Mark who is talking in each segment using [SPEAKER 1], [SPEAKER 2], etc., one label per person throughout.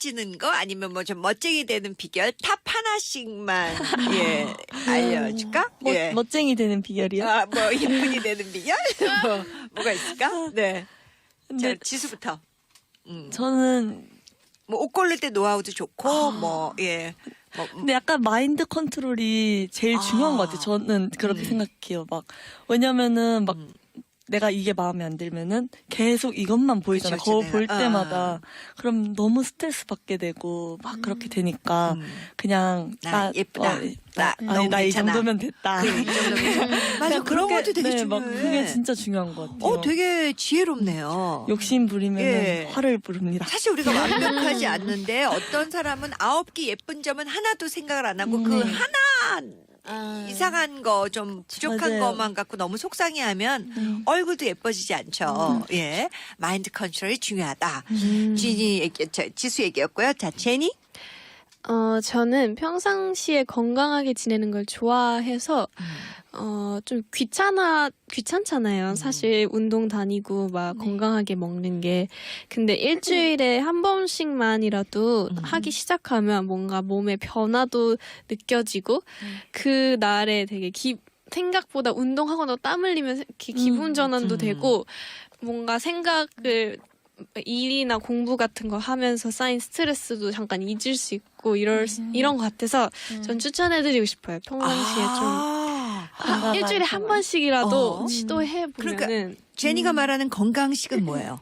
[SPEAKER 1] 이뻐지는 거 아니면 뭐 좀 멋쟁이 되는 비결 탑 하나씩만 예 알려줄까? 예.
[SPEAKER 2] 멋쟁이 되는 비결이요?
[SPEAKER 1] 아, 뭐 예쁜이 되는 비결? 뭐가 있을까? 네.
[SPEAKER 2] 근데
[SPEAKER 1] 자, 지수부터.
[SPEAKER 2] 저는
[SPEAKER 1] 뭐 옷 고를 때 노하우도 좋고 뭐 예. 뭐
[SPEAKER 2] 근데 약간 마인드 컨트롤이 제일 중요한 것 같아요. 저는 그렇게 생각해요. 막 왜냐면은 막 내가 이게 마음에 안 들면은 계속 이것만 보이잖아.
[SPEAKER 1] 그쵸,
[SPEAKER 2] 거울
[SPEAKER 1] 그쵸,
[SPEAKER 2] 볼
[SPEAKER 1] 내가.
[SPEAKER 2] 때마다. 그럼 너무 스트레스 받게 되고 막 그렇게 되니까 그냥
[SPEAKER 1] 나 예쁘다. 나 너무
[SPEAKER 2] 나 이
[SPEAKER 1] 괜찮아.
[SPEAKER 2] 정도면 됐다.
[SPEAKER 1] 이 정도면 맞아. 그런
[SPEAKER 2] 그렇게-
[SPEAKER 1] 것도 되게
[SPEAKER 2] 네,
[SPEAKER 1] 중요해.
[SPEAKER 2] 막 그게 진짜 중요한 것 같아요.
[SPEAKER 1] 되게 지혜롭네요.
[SPEAKER 2] 욕심 부리면
[SPEAKER 1] 예.
[SPEAKER 2] 화를 부릅니다.
[SPEAKER 1] 사실 우리가 완벽하지 않는데 어떤 사람은 9개 예쁜 점은 하나도 생각을 안 하고 그 하나 이상한 거 좀 부족한
[SPEAKER 2] 맞아요.
[SPEAKER 1] 것만 갖고 너무 속상해하면 얼굴도 예뻐지지 않죠. 예, 마인드 컨트롤이 중요하다. 지수 얘기였고요. 자, 제니.
[SPEAKER 3] 저는 평상시에 건강하게 지내는 걸 좋아해서, 좀 귀찮잖아요. 사실 운동 다니고 막 건강하게 먹는 게. 근데 일주일에 한 번씩만이라도 하기 시작하면 뭔가 몸의 변화도 느껴지고, 그 날에 되게 생각보다 운동하거나 땀 흘리면 이렇게 기분 전환도 되고, 뭔가 생각을 일이나 공부 같은 거 하면서 쌓인 스트레스도 잠깐 잊을 수 있고 이런 것 같아서 전 추천해드리고 싶어요. 평상시에 좀 일주일에 한 번씩이라도 시도해
[SPEAKER 1] 그러니까
[SPEAKER 3] 보면은
[SPEAKER 1] 제니가 말하는 건강식은 뭐예요?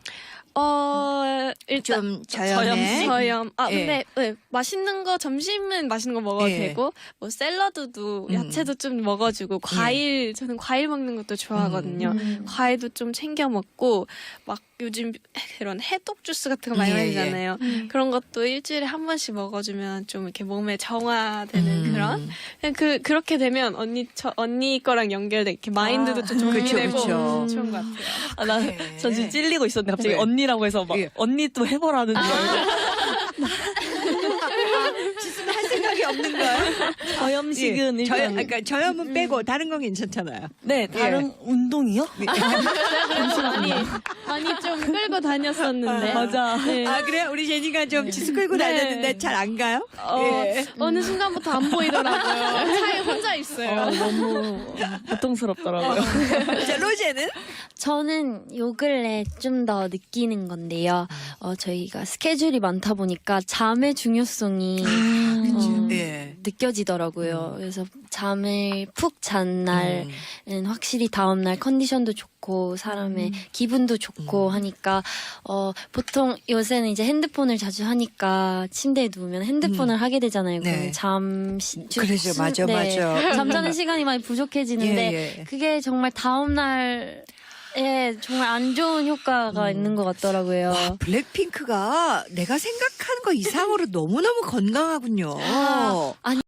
[SPEAKER 3] 일단
[SPEAKER 1] 좀 저염에.
[SPEAKER 3] 저염.
[SPEAKER 1] 예.
[SPEAKER 3] 근데 네, 맛있는 거 점심은 맛있는 거 먹어도
[SPEAKER 1] 예.
[SPEAKER 3] 되고 뭐 샐러드도 야채도 좀 먹어주고 과일 저는 과일 먹는 것도 좋아하거든요. 과일도 좀 챙겨 먹고 막 요즘 그런 해독 주스 같은 거 많이
[SPEAKER 1] 예,
[SPEAKER 3] 마시잖아요. 그런 것도 일주일에 한 번씩 먹어주면 좀 이렇게 몸에 정화되는 그런 그냥 그렇게 되면 언니 거랑 연결돼 이렇게 마인드도 좀 정리되고
[SPEAKER 1] 그쵸.
[SPEAKER 3] 좋은 것 같아요.
[SPEAKER 2] 저 지금 찔리고 있었는데 갑자기
[SPEAKER 1] 네.
[SPEAKER 2] 언니라고 해서 막
[SPEAKER 1] 예.
[SPEAKER 2] 언니 또 해보라는 줄 알고
[SPEAKER 1] 지수는 할 생각이 없는 거예요?
[SPEAKER 2] 저염식은 일단
[SPEAKER 1] 그러니까 저염은 빼고 다른 건 괜찮잖아요.
[SPEAKER 2] 네 다른 운동이요?
[SPEAKER 3] 많이 좀 끌고 다녔었는데.
[SPEAKER 2] 맞아.
[SPEAKER 3] 네.
[SPEAKER 1] 아 그래요? 우리 제니가 좀 지수 끌고
[SPEAKER 3] 네.
[SPEAKER 1] 다녔는데 잘 안 가요? 예.
[SPEAKER 3] 어느 순간부터 안 보이더라고요. 차에 혼자 있어요.
[SPEAKER 2] 너무 고통스럽더라고요.
[SPEAKER 1] 자 로제는?
[SPEAKER 4] 저는 요 근래 좀 더 느끼는 건데요. 저희가 스케줄이 많다 보니까 잠의 중요성이
[SPEAKER 1] 예.
[SPEAKER 4] 느껴지더라고요. 그래서 잠을 푹 잔 날은 확실히 다음날 컨디션도 좋고 사람의 기분도 좋고 하니까 보통 요새는 이제 핸드폰을 자주 하니까 침대에 누우면 핸드폰을 하게 되잖아요.
[SPEAKER 1] 네.
[SPEAKER 4] 그러면
[SPEAKER 1] 그러죠. 맞아, 맞아.
[SPEAKER 4] 잠자는 시간이 많이 부족해지는데
[SPEAKER 1] 예, 예.
[SPEAKER 4] 그게 정말 다음날 정말 안 좋은 효과가 있는 것 같더라고요.
[SPEAKER 1] 와, 블랙핑크가 내가 생각하는 거 이상으로 너무너무 건강하군요.
[SPEAKER 4] 아니